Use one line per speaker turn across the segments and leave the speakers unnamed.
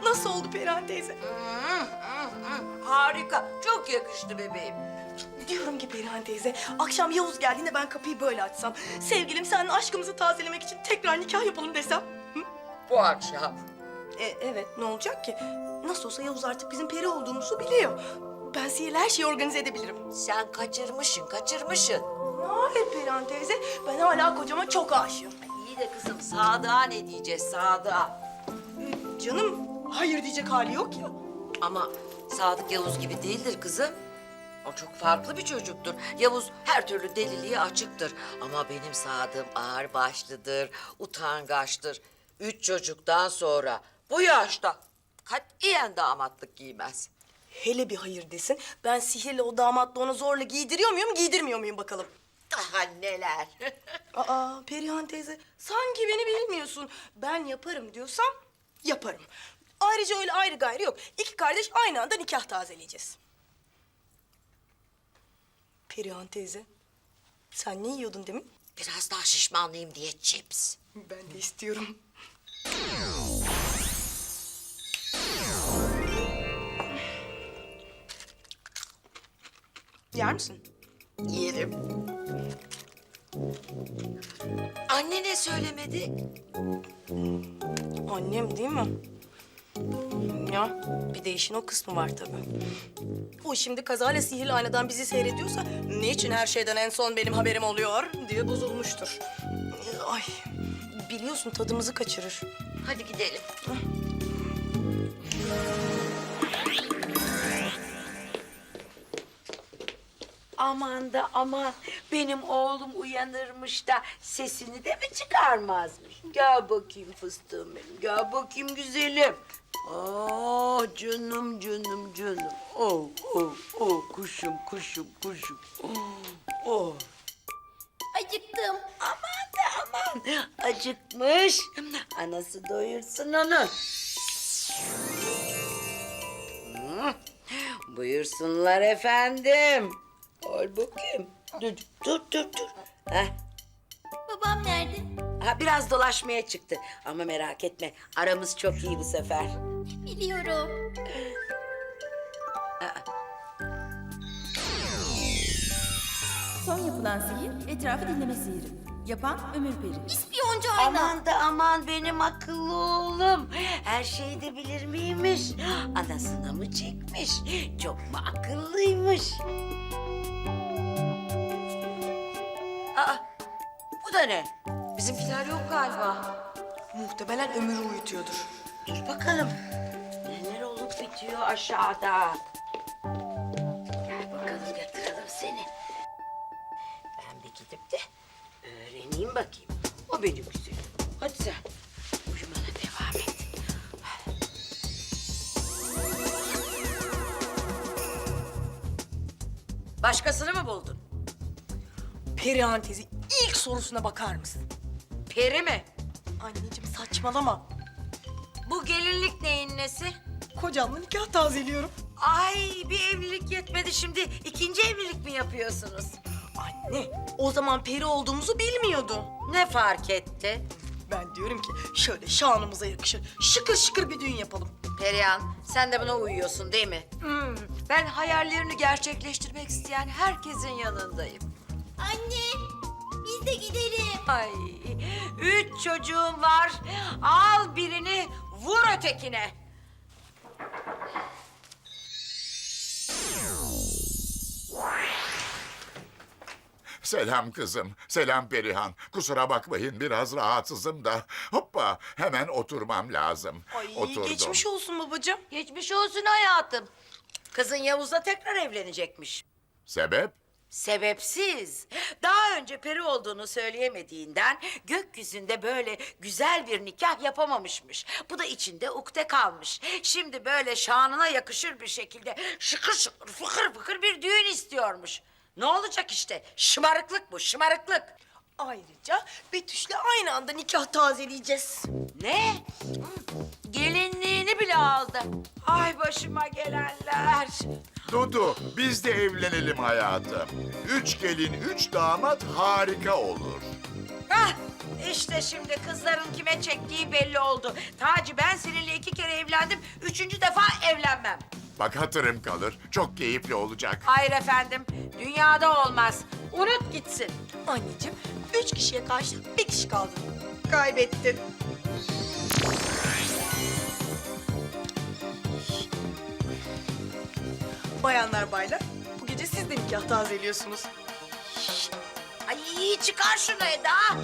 Nasıl oldu Perihan teyze?
Harika, çok yakıştı bebeğim.
Diyorum ki Perihan teyze, akşam Yavuz geldiğinde ben kapıyı böyle açsam... ...sevgilim seninle aşkımızı tazelemek için tekrar nikah yapalım desem. Hı?
Bu akşam.
Evet, ne olacak ki? Nasıl olsa Yavuz artık bizim peri olduğumuzu biliyor. Ben sihirle her şeyi organize edebilirim.
Sen kaçırmışsın.
Hayır Perihan teyze, ben hala kocama çok aşığım.
İyi de kızım, Sadık'a ne diyeceğiz Sadık'a?
Canım, hayır diyecek hali yok ya.
Ama Sadık Yavuz gibi değildir kızım. O çok farklı bir çocuktur. Yavuz her türlü deliliğe açıktır. Ama benim Sadık'ım ağırbaşlıdır, utangaçtır. 3 çocuktan sonra bu yaşta katiyen damatlık giymez.
Hele bir hayır desin, ben sihirle o damatla ona zorla giydiriyor muyum, giydirmiyor muyum bakalım?
Daha neler.
Aa Perihan teyze, sanki beni bilmiyorsun. Ben yaparım diyorsam yaparım. Ayrıca öyle ayrı gayrı yok. İki kardeş aynı anda nikah tazeleyeceğiz. Perihan teyze, sen ne yiyordun demin?
Biraz daha şişmanlayayım diye cips.
Ben de istiyorum. Yer misin?
Yerim. Anne ne söylemedi?
Annem değil mi? Ya bir de işin o kısmı var tabii. O şimdi kazayla sihirli aynadan bizi seyrediyorsa... ...niçin her şeyden en son benim haberim oluyor diye bozulmuştur. Ay, biliyorsun tadımızı kaçırır.
Hadi gidelim. Aman da aman, benim oğlum uyanırmış da sesini de mi çıkarmazmış? Gel bakayım fıstığım benim, gel bakayım güzelim. Oh canım. Oh kuşum. Oh.
Acıktım.
Aman da aman, acıkmış. Anası doyursun onu. Hı, buyursunlar efendim. Al bakayım. Dur. Heh.
Babam nerede?
Ha, biraz dolaşmaya çıktı ama merak etme, aramız çok iyi bu sefer.
Biliyorum.
Son yapılan sihir, etrafı dinleme sihiri. Yapan Ömür Peri.
İspiyoncu ayna.
Aman da aman benim akıllı oğlum. Her şeyi de bilir miymiş? Anasına mı çekmiş? Çok mu akıllıymış? Aa, bu da ne? Bizimkiler yok galiba.
Muhtemelen Ömür'ü uyutuyordur.
Dur bakalım. Neler olup bitiyor aşağıda? Gel bakalım yatıralım seni. Ben bir gidip de öğreneyim bakayım. O benim güzelim. Hadi sen uyumana devam et. Başkasını mı buldun?
Perihan teyze, ilk sorusuna bakar mısın?
Peri mi?
Anneciğim saçmalama.
Bu gelinlik neyin nesi?
Kocamla nikah tazeliyorum.
Ay bir evlilik yetmedi şimdi. İkinci evlilik mi yapıyorsunuz?
Anne, o zaman peri olduğumuzu bilmiyordu.
Ne fark etti?
Ben diyorum ki şöyle şanımıza yakışır, şıkır şıkır bir düğün yapalım.
Perihan, sen de buna uyuyorsun değil mi? Ben hayallerini gerçekleştirmek isteyen herkesin yanındayım.
Anne, biz de gidelim.
Ay, 3 çocuğum var. Al birini, vur ötekine.
Selam kızım, selam Perihan. Kusura bakmayın biraz rahatsızım da. Hoppa, hemen oturmam lazım.
Ay
Oturdum.
geçmiş olsun babacığım.
Geçmiş olsun hayatım. Kızın Yavuz'la tekrar evlenecekmiş.
Sebep?
Sebepsiz. Daha önce peri olduğunu söyleyemediğinden gökyüzünde böyle güzel bir nikah yapamamışmış. Bu da içinde ukde kalmış. Şimdi böyle şanına yakışır bir şekilde şıkır şıkır fıkır fıkır bir düğün istiyormuş. Ne olacak işte? Şımarıklık bu, şımarıklık.
Ayrıca Betüş'le aynı anda nikah tazeleyeceğiz.
Ne? Gelinliğini bile aldı. Ay başıma gelenler.
Dudu, biz de evlenelim hayatım. 3 gelin, 3 damat harika olur.
Hah, işte şimdi kızların kime çektiği belli oldu. Taci ben seninle 2 kere evlendim, üçüncü defa evlenmem.
Bak hatırım kalır. Çok keyifli olacak.
Hayır efendim, dünyada olmaz. Unut gitsin.
Anneciğim, 3 kişiye karşı bir kişi kaldı. Kaybettin. Bayanlar baylar, bu gece siz de nikah tazeliyorsunuz.
Ay çıkar şunu Eda.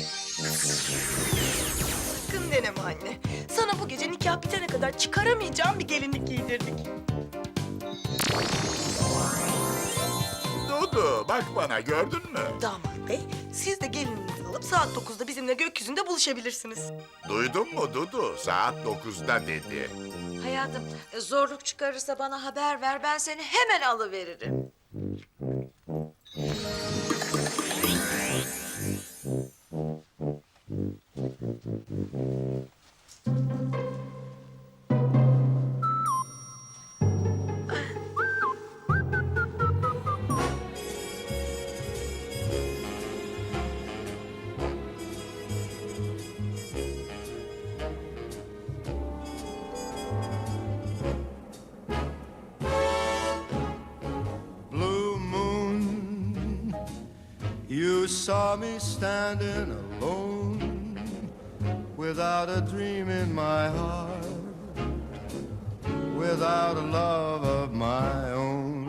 Sakın deneme anne. Sana bu gece nikah bitene kadar çıkaramayacağım bir gelinlik giydirdik.
Dudu bak bana gördün mü?
Damat bey, siz de gelininizi alıp saat 9'da bizimle gökyüzünde buluşabilirsiniz.
Duydun mu Dudu? Saat 9'da dedi.
Hayatım, zorluk çıkarırsa bana haber ver. Ben seni hemen alıveririm.
Blue moon, you saw me standing alone without a dream in my heart, without a love of my own.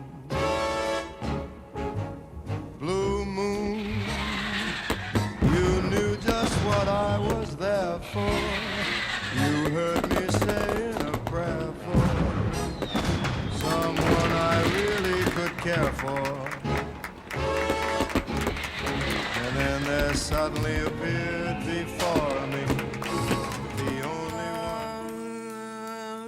Blue moon, you knew just what I was there for. You heard me saying a prayer for someone I really could care for. And then there suddenly appeared before me the only one.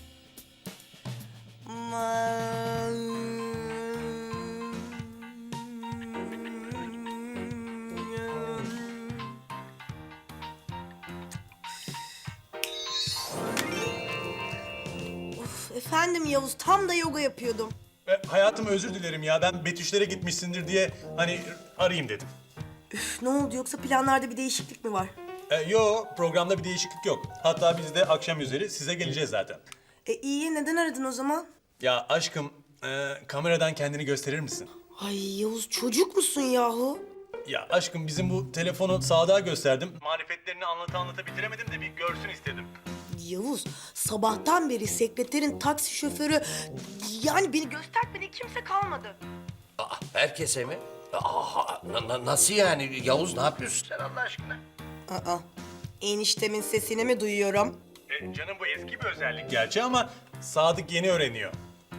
Efendim Yavuz, tam da yoga yapıyordum.
Hayatım özür dilerim ya. Ben Betüşlere gitmişsindir diye hani arayayım dedim.
Üf, ne oldu yoksa planlarda bir değişiklik mi var?
Yo, programda bir değişiklik yok. Hatta biz de akşam üzeri size geleceğiz zaten.
İyi, neden aradın o zaman?
Ya aşkım, kameradan kendini gösterir misin?
Ay Yavuz, çocuk musun yahu?
Ya aşkım bizim bu telefonu Sadık'a gösterdim. Marifetlerini anlata bitiremedim de bir görsün istedim.
Yavuz, sabahtan beri sekreterin, taksi şoförü... Yani beni göstermedi, kimse kalmadı.
Herkese mi? Nasıl yani? Yavuz ne yapıyorsun sen Allah aşkına?
Aa, eniştemin sesini mi duyuyorum?
Canım bu eski bir özellik gerçi ama Sadık yeni öğreniyor.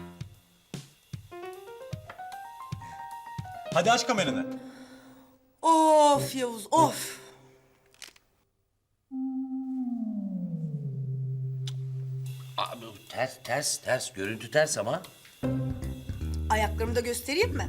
Hadi aç kameranı.
Of Yavuz, of!
Abi ters. Görüntü ters ama.
Ayaklarımı da göstereyim mi?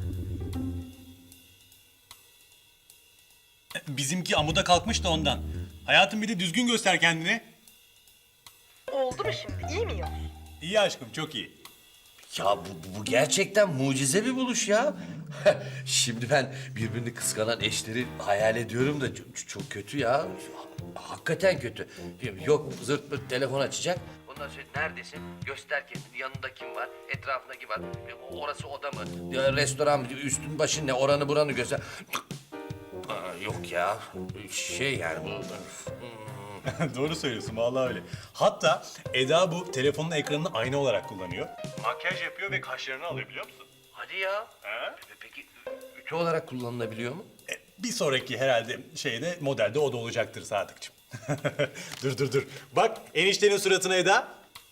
Bizimki amuda kalkmış da ondan. Hayatım bir de düzgün göster kendini.
Oldu mu şimdi, iyi mi Yavuz?
İyi aşkım, çok iyi.
Ya bu gerçekten mucize bir buluş ya. Şimdi ben birbirini kıskanan eşleri hayal ediyorum da çok kötü ya. Hakikaten kötü. Yok zırt pırt telefon açacak. Ondan sonra neredesin? Göster kendini. Yanında kim var? Etrafında kim var? Orası oda mı? Restoran mı? Üstün başın ne? Oranı buranı göster. Yok ya. Şey yani bu...
Doğru söylüyorsun, vallahi öyle. Hatta Eda bu telefonun ekranını ayna olarak kullanıyor. Makyaj yapıyor ve kaşlarını alıyor, biliyor musun?
Hadi ya.
He?
Peki ütü olarak kullanılabiliyor mu?
Bir sonraki herhalde modelde o da olacaktır Sadıkçım. Dur. Bak eniştenin suratına Eda.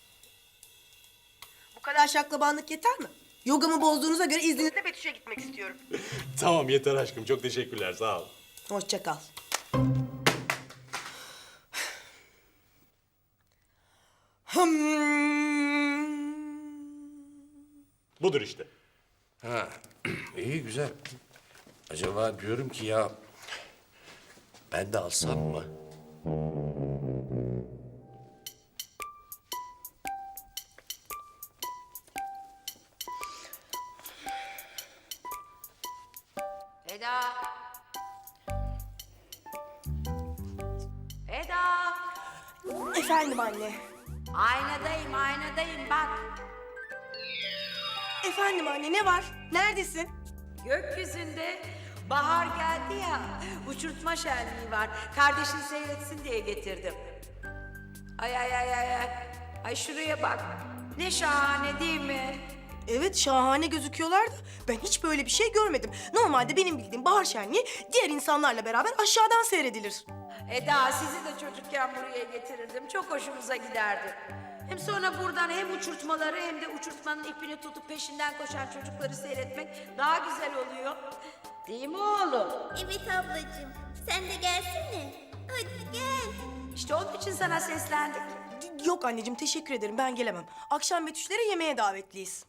Bu kadar şaklabanlık yeter mi? Yogamı bozduğunuza göre izninizle Betüş'e gitmek istiyorum.
Tamam yeter aşkım, çok teşekkürler, sağ ol.
Hoşça kal.
Budur işte.
Ha, iyi güzel. Acaba diyorum ki ya ben de alsam mı?
Eda. Eda.
Efendim anne.
Aynadayım, aynadayım bak.
Efendim anne, ne var? Neredesin?
Gökyüzünde bahar geldi ya, uçurtma şenliği var. Kardeşin seyretsin diye getirdim. Ay ay ay ay ay. Ay şuraya bak. Ne şahane değil mi?
Evet, şahane gözüküyorlar da ben hiç böyle bir şey görmedim. Normalde benim bildiğim bahar şenliği diğer insanlarla beraber aşağıdan seyredilir.
Eda sizi de çocukken buraya getirirdim. Çok hoşumuza giderdi. Hem sonra buradan hem uçurtmaları hem de uçurtmanın ipini tutup peşinden koşan çocukları seyretmek daha güzel oluyor. Değil mi oğlum?
Evet ablacığım. Sen de gelsene. Hadi gel.
İşte onun için sana seslendik.
Yok anneciğim, teşekkür ederim, ben gelemem. Akşam Betüşlere yemeğe davetliyiz.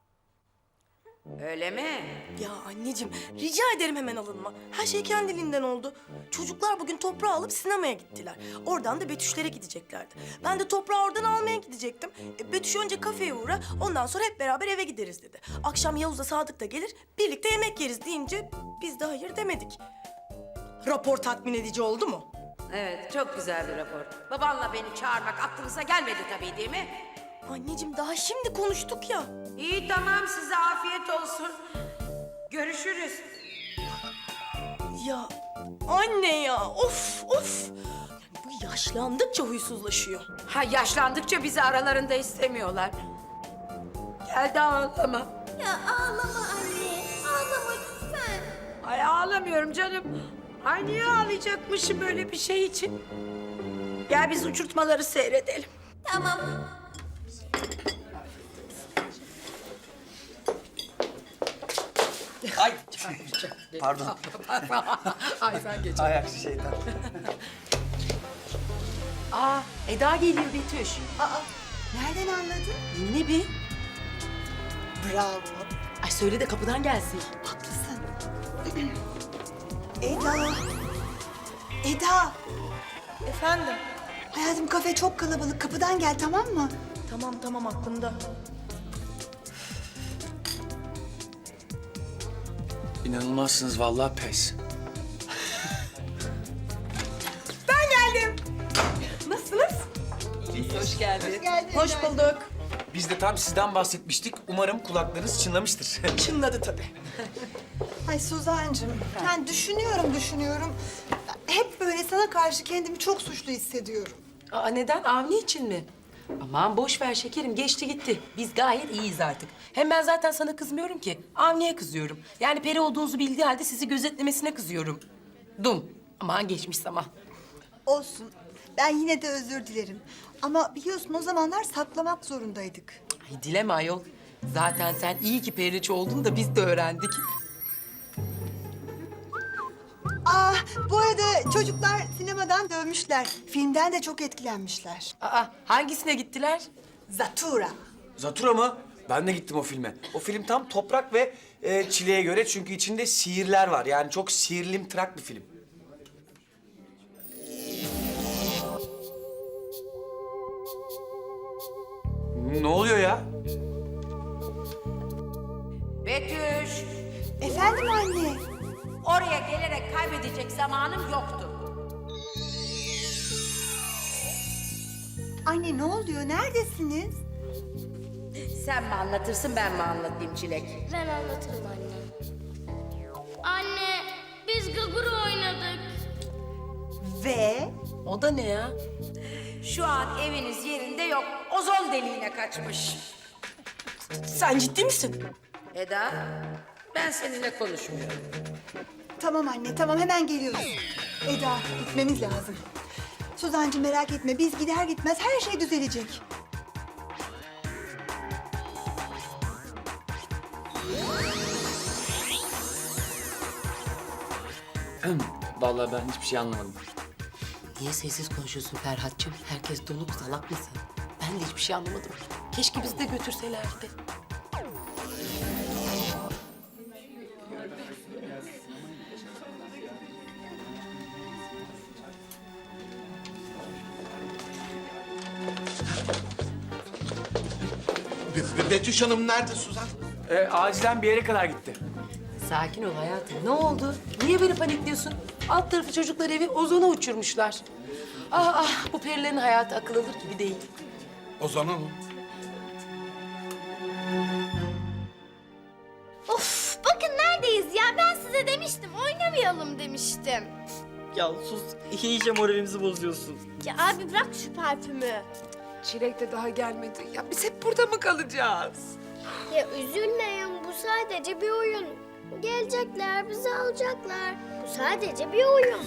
Öyle mi?
Ya anneciğim, rica ederim hemen alınma. Her şey kendiliğinden oldu. Çocuklar bugün toprağı alıp sinemaya gittiler. Oradan da Betüşlere gideceklerdi. Ben de toprağı oradan almaya gidecektim. Betüş önce kafeye uğra, ondan sonra hep beraber eve gideriz dedi. Akşam Yavuz'la Sadık da gelir, birlikte yemek yeriz deyince biz de hayır demedik. Rapor tatmin edici oldu mu?
Evet, çok güzel bir rapor. Babanla beni çağırmak aklınıza gelmedi tabii değil mi?
Anneciğim, daha şimdi konuştuk ya.
İyi tamam, size afiyet olsun. Görüşürüz.
Ya anne ya, of of. Yani bu yaşlandıkça huysuzlaşıyor.
Ha yaşlandıkça bizi aralarında istemiyorlar. Gel de ağlama.
Ya ağlama anne. Ağlama lütfen.
Ay ağlamıyorum canım. Ay niye ağlayacakmışım böyle bir şey için? Gel biz uçurtmaları seyredelim.
Tamam.
Ay. Pardon.
Ay sen geç.
Ayak şeytan.
Aa, Eda geliyor Betüş.
Nereden anladın?
Ne bir?
Bravo.
Ay söyle de kapıdan gelsin.
Haklısın. Eda. Eda.
Efendim?
Hayatım kafe çok kalabalık. Kapıdan gel tamam mı?
Tamam tamam, aklımda.
İnanılmazsınız vallahi pes.
Nasılsınız?
Hoş geldin.
Hoş bulduk.
Biz de tam sizden bahsetmiştik. Umarım kulaklarınız çınlamıştır.
Çınladı tabii.
Ay Suzancığım. Yani düşünüyorum. Hep böyle sana karşı kendimi çok suçlu hissediyorum.
Aa, neden? Avni için mi? Aman boş ver şekerim, geçti gitti. Biz gayet iyiyiz artık. Hem ben zaten sana kızmıyorum ki. Avni'ye kızıyorum. Yani peri olduğunuzu bildiği halde sizi gözetlemesine kızıyorum. Aman geçmiş zaman.
Olsun. Ben yine de özür dilerim. Ama biliyorsun o zamanlar saklamak zorundaydık.
Ay dileme ayol. Zaten sen iyi ki periçi oldun da biz de öğrendik.
Bu arada çocuklar sinemadan dönmüşler. Filmden de çok etkilenmişler.
Aa, hangisine gittiler?
Zatura.
Zatura mı? Ben de gittim o filme. O film tam toprak ve çileğe göre çünkü içinde sihirler var. Yani çok sihirlimtırak bir film. Ne oluyor ya?
Betüş,
Efendim anne.
oraya gelerek kaybedecek zamanım yoktu.
Anne ne oluyor? Neredesiniz?
Sen mi anlatırsın ben mi anlatayım Çilek?
Ben anlatırım anne. Anne, biz gaguru oynadık.
Ve
O da ne ya?
Şu an eviniz yerinde yok. Ozon deliğine kaçmış.
Sen ciddi misin?
Eda, ben seninle konuşmuyorum.
tamam anne tamam hemen geliyoruz. Eda gitmemiz lazım. Suzancığım merak etme biz gider gitmez her şey düzelecek.
Vallahi ben hiçbir şey anlamadım.
Niye sessiz konuşuyorsun Ferhat'cığım? Herkes donuk, salak mısın? Ben de hiçbir şey anlamadım. Keşke bizi de götürselerdi.
Betüş Hanım nerede Suzan?
Acilen bir yere kadar gitti.
Sakin ol hayatım. Ne oldu? Niye beni panikliyorsun? Alt tarafı çocuklar evi ozona uçurmuşlar. Bu perilerin hayatı akıl alır gibi değil.
Ozan Hanım.
Of bakın neredeyiz ya? Ben size demiştim oynamayalım demiştim.
Ya sus, iyice moralimizi bozuyorsun.
Ya abi bırak şu parfümü.
Çilek de daha gelmedi. Ya biz hep burada mı kalacağız?
Ya üzülmeyin bu sadece bir oyun. Gelecekler bizi alacaklar. Bu sadece bir oyun.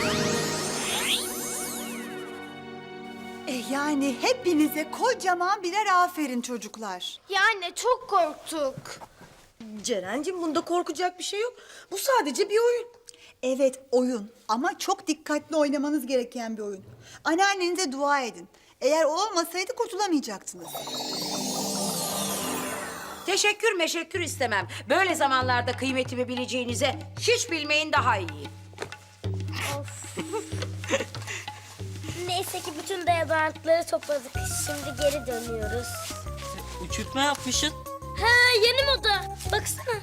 Yani hepinize kocaman birer aferin çocuklar.
Ya anne çok korktuk.
Ceren'cim bunda korkacak bir şey yok. Bu sadece bir oyun.
Evet oyun ama çok dikkatli oynamanız gereken bir oyun. Anneannenize dua edin. Eğer o olmasaydı kurtulamayacaktınız.
Teşekkür meşekkür istemem. Böyle zamanlarda kıymetimi bileceğinize hiç bilmeyin daha iyi.
Neyse ki bütün deodorantları topladık. Şimdi geri dönüyoruz.
Uçurtma yapmışsın.
Ha yeni moda. Baksana.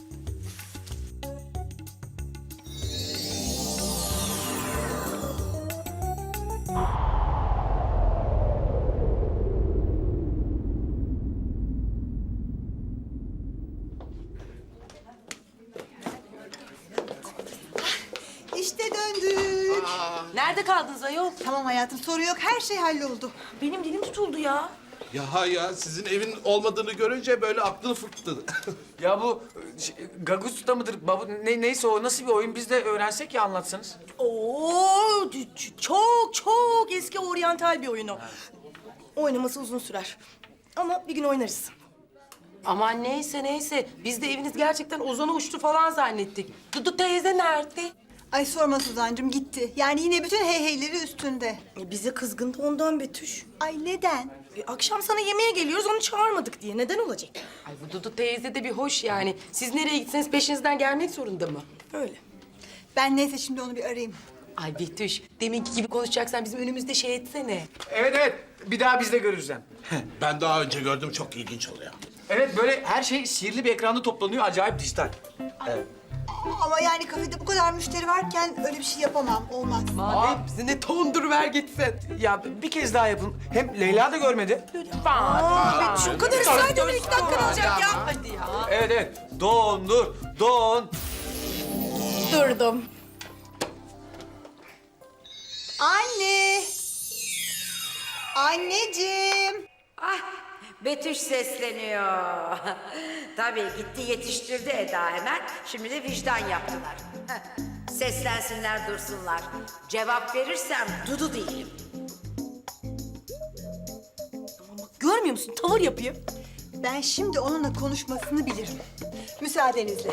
İşte döndük.
Nerede kaldınız ayol?
Tamam hayatım soru yok her şey halloldu.
Benim dilim tutuldu ya.
Ya sizin evin olmadığını görünce böyle aklını fırttı.
Ya bu Gagusta mıdır? Babu, neyse o nasıl bir oyun biz de öğrensek ya anlatsanız.
Oo, çok eski oryantal bir oyun o. Oynaması uzun sürer. Ama bir gün oynarız.
Aman neyse. Biz de eviniz gerçekten Ozan'a uçtu falan zannettik. Dudu teyze nerede?
Ay sorma Suzancığım gitti. Yani yine bütün heyheyleri üstünde.
Bize kızgın da ondan Betüş.
Ay neden?
Akşam sana yemeğe geliyoruz onu çağırmadık diye. Neden olacak?
Ay bu Dudu teyze de bir hoş yani. Siz nereye gitseniz peşinizden gelmek zorunda mı?
Öyle.
Ben neyse şimdi onu bir arayayım.
Ay Betüş, deminki gibi konuşacaksan bizim önümüzde şey etsene.
Evet bir daha biz de görürüz hem.
Ben daha önce gördüm, çok ilginç oluyor.
Evet böyle her şey sihirli bir ekranda toplanıyor acayip dijital. Evet.
Ama yani kafede bu kadar müşteri varken öyle bir şey yapamam. Olmaz.
Madem bize ne tondur ver gitsin.
Ya bir kez daha yapın. Hem Leyla da görmedi.
Betüş o kadar ısrar ediyorum. 2 dakika olacak ya.
Hadi ya.
Evet. Don.
Durdum.
Anne! Anneciğim!
Ah, Betüş sesleniyor. Tabii gitti yetiştirdi Eda hemen. Şimdi de vicdan yaptılar. Heh, seslensinler dursunlar. Cevap verirsem Dudu değilim.
Görmüyor musun? Tavır yapıyor.
Ben şimdi onunla konuşmasını bilirim. Müsaadenizle.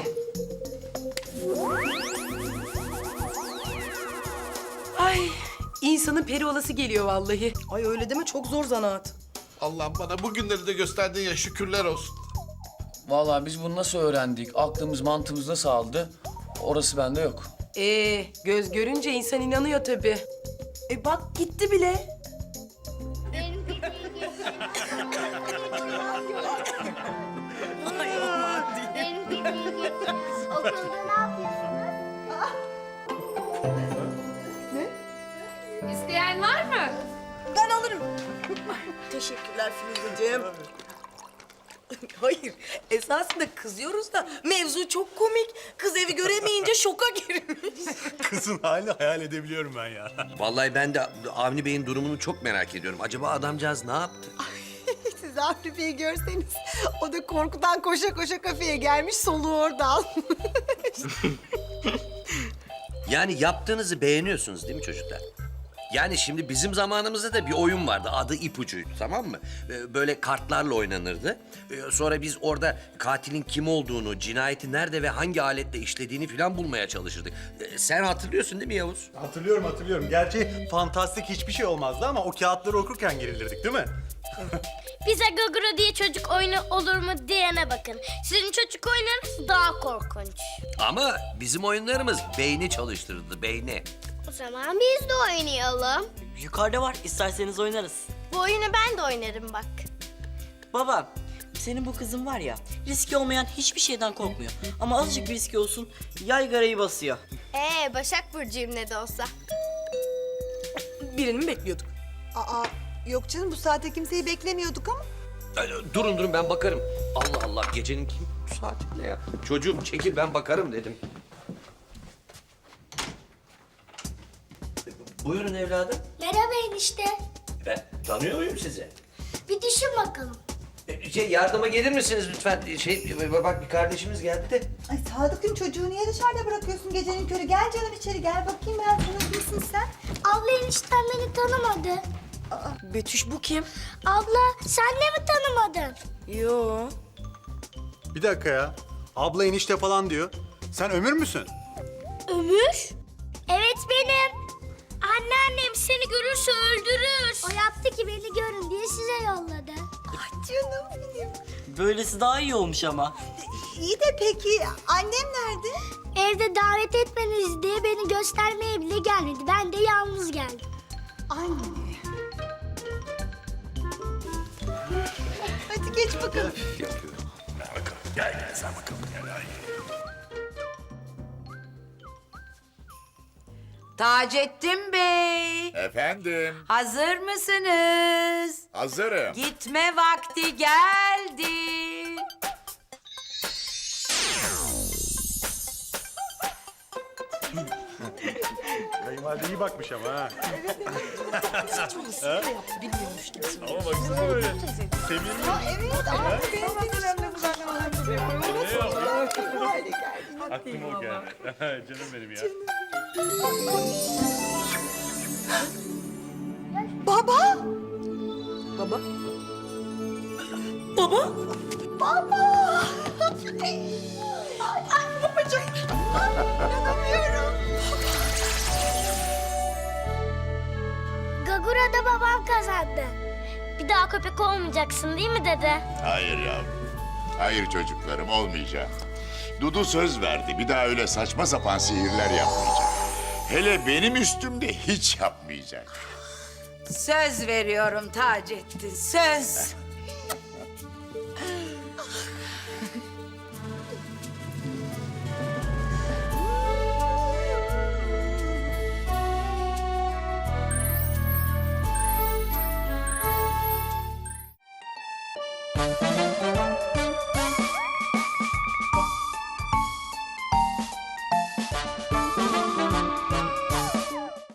Ay, insanın peri olası geliyor vallahi.
Ay öyle deme çok zor zanaat.
Allah'ım bana bugünleri de gösterdin ya, şükürler olsun.
Vallahi biz bunu nasıl öğrendik? Aklımız mantığımız nasıl aldı? Orası bende yok.
Göz görünce insan inanıyor tabii. Bak gitti bile.
Benim bildiğim Benim bildiğim okulda ne yapıyorsunuz?
İsteyen var mı?
Ben alırım. Teşekkürler Firuzeciğim. Hayır, esasında kızıyoruz da mevzu çok komik. Kız evi göremeyince şoka girmiş.
Kızın halini hayal edebiliyorum ben ya.
Vallahi ben de Avni Bey'in durumunu çok merak ediyorum. Acaba adamcağız ne yaptı?
Siz Avni Bey'i görseniz o da korkudan koşa koşa kafeye gelmiş soluğu orada almış.
Yani yaptığınızı beğeniyorsunuz değil mi çocuklar? Yani şimdi bizim zamanımızda da bir oyun vardı. Adı İpucuydu, tamam mı? Böyle kartlarla oynanırdı. Sonra biz orada katilin kim olduğunu, cinayeti nerede ve hangi aletle işlediğini falan bulmaya çalışırdık. Sen hatırlıyorsun değil mi Yavuz?
Hatırlıyorum. Gerçi fantastik hiçbir şey olmazdı ama o kağıtları okurken gerilirdik değil mi?
Bize Gagura diye çocuk oyunu olur mu diyene bakın. Sizin çocuk oyunlarınız daha korkunç.
Ama bizim oyunlarımız beyni çalıştırırdı, beyni.
O zaman biz de oynayalım.
Yukarıda var, isterseniz oynarız.
Bu oyunu ben de oynarım bak.
Baba, senin bu kızın var ya, riski olmayan hiçbir şeyden korkmuyor. Ama azıcık riski olsun, yaygarayı basıyor.
Başak Burcu'yum ne de olsa.
Birini mi bekliyorduk?
Aa Yok canım bu saate kimseyi beklemiyorduk ama.
Durun ben bakarım. Allah Allah gecenin kim bu saatinde ya? Çocuğum çekil ben bakarım dedim. Buyurun evladım.
Merhaba enişte.
Ben tanıyor muyum sizi?
Bir düşün bakalım.
Yardıma gelir misiniz lütfen? Bak bir kardeşimiz geldi de.
Ay Sadık'ın çocuğu niye dışarıda bırakıyorsun gecenin körü? Gel canım içeri gel bakayım ben sana kimsin sen?
Abla enişten beni tanımadı.
Betüş bu kim?
Abla sen de mi tanımadın?
Yo.
Bir dakika ya. Abla enişte falan diyor. Sen Ömür müsün?
Ömür? Evet benim. Anneannem seni görürse öldürür. O yaptı ki beni görün diye size yolladı.
Ay canım benim.
Böylesi daha iyi olmuş ama.
İyi de peki annem nerede?
Evde davet etmeniz diye beni göstermeye bile gelmedi. Ben de yalnız geldim.
Anne. Hadi geç bakalım.
Yapıyorum. Bakalım. Gel sen bakalım. Gel.
Taceddin Bey,
Efendim,
hazır mısınız?
hazırım.
Gitme vakti geldi.
Kayınvalide iyi bakmış ama ha.
Bilmiyormuş gibi.
Ama baksana böyle. Sevindim.
Evet ama benim de
Aklıma o geldi. Canım benim ya.
Baba!
Baba?
Baba! Ay babacığım! Ay, inanamıyorum.
Gagura'da babam kazandı. Bir daha köpek olmayacaksın değil mi dede?
Hayır yavrum. Hayır çocuklarım olmayacak. Dudu söz verdi. Bir daha öyle saçma sapan sihirler yapmayacak. Hele benim üstümde hiç yapmayacak.
Söz veriyorum Taceddin, söz.